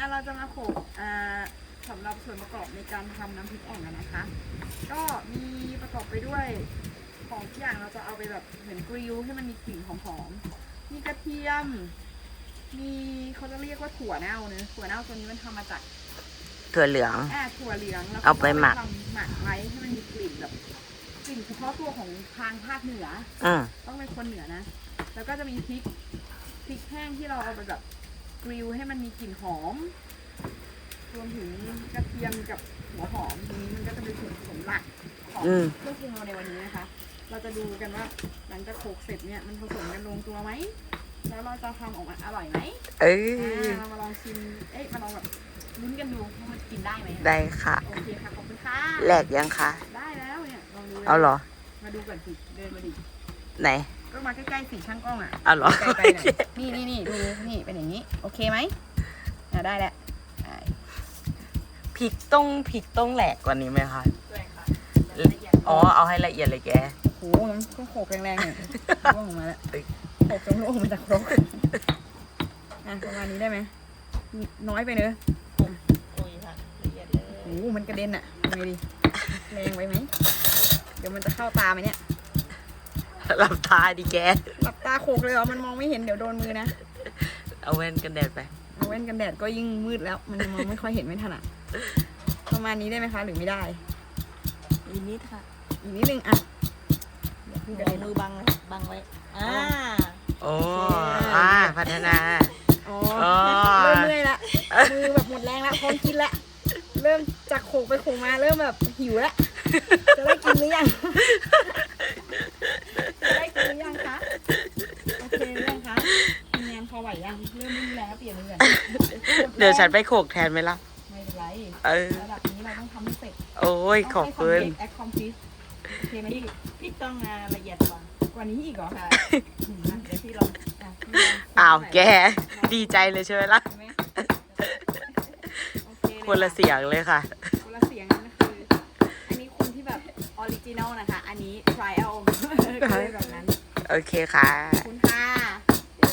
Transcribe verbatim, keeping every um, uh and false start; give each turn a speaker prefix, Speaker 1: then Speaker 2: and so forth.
Speaker 1: เราจะมาโขลกอ่าสำหรับส่วนประกอบในการทำน้ำพริกอ่องกันนะคะ ก็มีประกอบไปด้วยของที่อย่างเราจะเอาไปแบบเหมือนกริลให้มันมีกลิ่นหอมๆมีกระเทียมมีเขาจะเรียกว่าถั่วเน่าเนอะถั่วเน่าตัวนี้มันทำมาจาก
Speaker 2: ถั่วเหลือง
Speaker 1: อ่าถั่วเหลืองแล้ว
Speaker 2: เอาไปหมัก
Speaker 1: ทำหมักไว้ให้มันมีกลิ่นแบบกลิ่นเฉพาะตัวของทางภาคเหนือ
Speaker 2: อืม
Speaker 1: ต้องเป็นคนเหนือนะ แล้วก็จะมีพริกพริกแห้งที่เราเอาไปแบบกริลให้มันมีกลิ่นหอมรวมถึงกระเทียมกับหัวหอมตรงนี้มันก็จะเป็นส่วนผสมหลักของ
Speaker 2: อืม
Speaker 1: เครื่องปรุงเราในวันนี้นะคะ เราจะดูกันว่าหลังจากโขลกเสร็จเนี่ยมันผสมกันลงตัวไหมแล้วเราจะทำออกมาอร่อยไหม
Speaker 2: เอ้ย
Speaker 1: อ่าเรามาลองชิมเอ๊ะมาลองแบบลุ้นกันดูว่ามันกินได้ไหม
Speaker 2: ได้ค่ะ
Speaker 1: โอเคค่ะขอบคุณค่ะ
Speaker 2: แหลกยังคะ
Speaker 1: ได้แล้วเนี่ยลองดูลย
Speaker 2: เอาเหรอ
Speaker 1: มาดูก่อนสิเดินมาดิ
Speaker 2: ไหน
Speaker 1: ก็มาใกล้ๆสีช่างกล้องอ่ะ
Speaker 2: เอาเหรอ
Speaker 1: ใกล้ๆหน่อยนี่นี่นี่ดูนี่เป็นอย่างนี้ โอเคไหมอ่าได้แล้วได้
Speaker 2: พริกต้องพริกต้องแหลกกว่านี้ไหมคะ
Speaker 1: ด้วยค่ะ
Speaker 2: อ๋อ เอาให้ละเอียดเลยแก
Speaker 1: โอ้โหมันต้องโขกแรงๆหน่อยร่วงออกมาแล้วโขกจนร่วงออกมาจากครกอ่ะประมาณนี้ได้ไหมน้อยไปเนอะ
Speaker 2: โอ้ยค่ะละเอียดเลย
Speaker 1: โอ้โหมันกระเด็นอ่ะทำไงดีแรงไว้ไหมเดี๋ยวมันจะเข้าตาไหมเนี่ย
Speaker 2: หลับตาดิแก
Speaker 1: หลับตาโขกเลยเหรอมันมองไม่เห็นเดี๋ยวโดนมือนะ
Speaker 2: เอาแว่นกันแดดไป
Speaker 1: เอาแว่นกันแดดก็ยิ่งมืดแล้ว มันมองไม่ค่อยเห็นไม่ถนัดประมาณนี้ได้ไหมคะ หรือไม่ได้
Speaker 2: อีกนิดค่ะ
Speaker 1: อีกนิดนึงอ่ะเดี๋ยวพี่กระ
Speaker 3: เอา
Speaker 1: เด็น
Speaker 3: มือบังไว้บังไว้ อ่า
Speaker 2: โอ้อ่าพัฒนา
Speaker 1: อ๋อ
Speaker 2: อ๋อ
Speaker 1: เริ่มเมื่อยละมือแบบหมดแรงละพร้อมกินละเริ่มจากโขกไปโขกมาเริ่มแบบหิวละจะได้กินหรือยังจะได้กินหรือยังคะโอเคหรือยังคะทีมงานพอไหวยังเริ่มไม่มีแรงแล้วเปลี่ยนมือก่อน
Speaker 2: เดี๋ยวฉันไปโขกแทนไหมล่ะ
Speaker 1: ไม่เป็นไร
Speaker 2: เออ
Speaker 1: ระดับนี้เราต้องทำให้เสร็จ
Speaker 2: โอ้ย ขอบคุณ
Speaker 1: แอคคอมพลีทโอเคไหมพี่
Speaker 3: พี่ต้องงานละเอียดกว่า
Speaker 1: กว่านี้อีกเหรอ
Speaker 3: ค่ะ
Speaker 1: อืม
Speaker 3: เดี๋ยวพี่ลอง
Speaker 1: อ่ะพี่ลง
Speaker 2: อ้าวแก ดีใจเลยใช่ไหมล่ะ
Speaker 1: เห็นไหมโอเคเลย
Speaker 2: คนละเสียงเลยค่ะ
Speaker 1: คนละเสียงนั่นคือ อันนี้คนที่แบบออริจินอลนะคะ อันนี้ ทริอัล ก็เลยแบบนั้น
Speaker 2: โอเคค่ะ
Speaker 1: คุณ